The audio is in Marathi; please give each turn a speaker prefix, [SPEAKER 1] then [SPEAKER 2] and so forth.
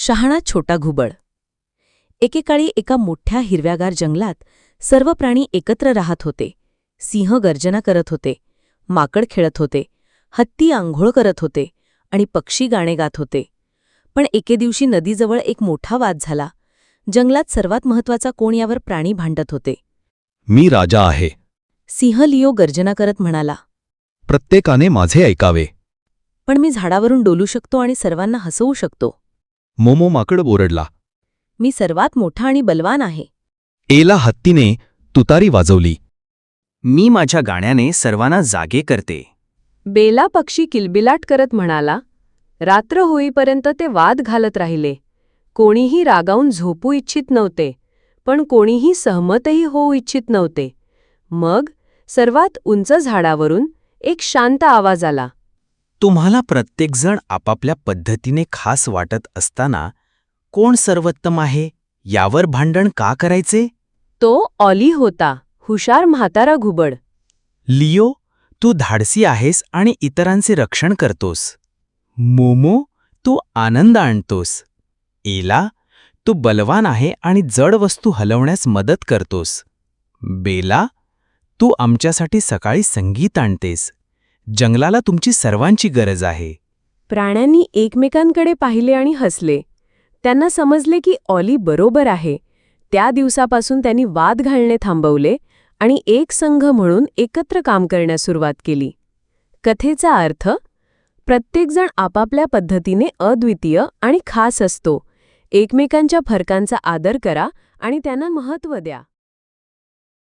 [SPEAKER 1] शहाणा छोटा घुबड. एकेकाळी एका मोठ्या हिरव्यागार जंगलात सर्व प्राणी एकत्र राहत होते. सिंह गर्जना करत होते, माकड खेळत होते, हत्ती आंघोळ करत होते आणि पक्षी गाणे गात होते. पण एके दिवशी नदीजवळ एक मोठा वाद झाला. जंगलात सर्वात महत्वाचा कोण यावर प्राणी भांडत होते.
[SPEAKER 2] मी राजा आहे.
[SPEAKER 1] सिंह लिओ गर्जना करत म्हणाला,
[SPEAKER 2] प्रत्येकाने माझे ऐकावे.
[SPEAKER 1] पण मी झाडावरून डोलू शकतो आणि सर्वांना हसवू शकतो.
[SPEAKER 2] मोमो माकड ओरडला.
[SPEAKER 1] मी सर्वात मोठा आणि बलवान आहे.
[SPEAKER 2] एला हत्तीने तुतारी वाजवली.
[SPEAKER 3] मी माझ्या गाण्याने सर्वांना जागे करते.
[SPEAKER 4] बेला पक्षी किलबिलाट करत म्हणाला. रात्र होईपर्यंत ते वाद घालत राहिले. कोणीही रागावून झोपू इच्छित नव्हते, पण कोणीही सहमतही होऊ इच्छित नव्हते. मग सर्वात उंच झाडावरून एक शांत आवाज आला.
[SPEAKER 3] तुम्हाला प्रत्येकजण आपापल्या पद्धतीने खास वाटत असताना कोण सर्वोत्तम आहे यावर भांडण का करायचे?
[SPEAKER 4] तो ऑली होता, हुशार म्हातारा घुबड.
[SPEAKER 3] लिओ, तू धाडसी आहेस आणि इतरांचे रक्षण करतोस. मोमो, तू आनंद आणतोस. एला, तू बलवान आहे आणि जड वस्तू हलवण्यास मदत करतोस. बेला, तू आमच्यासाठी सकाळी संगीत आणतेस. जंगलाला तुमची सर्वांची गरज आहे.
[SPEAKER 4] प्राण्यांनी एकमेकांकडे पाहिले आणि हसले. त्यांना समजले की ऑली बरोबर आहे. त्या दिवसापासून त्यांनी वाद घालणे थांबवले आणि एक संघ म्हणून एकत्र काम करण्यास सुरुवात केली. कथेचा अर्थ: प्रत्येकजण आपापल्या पद्धतीने अद्वितीय आणि खास असतो. एकमेकांच्या फरकांचा आदर करा आणि त्यांना महत्त्व द्या.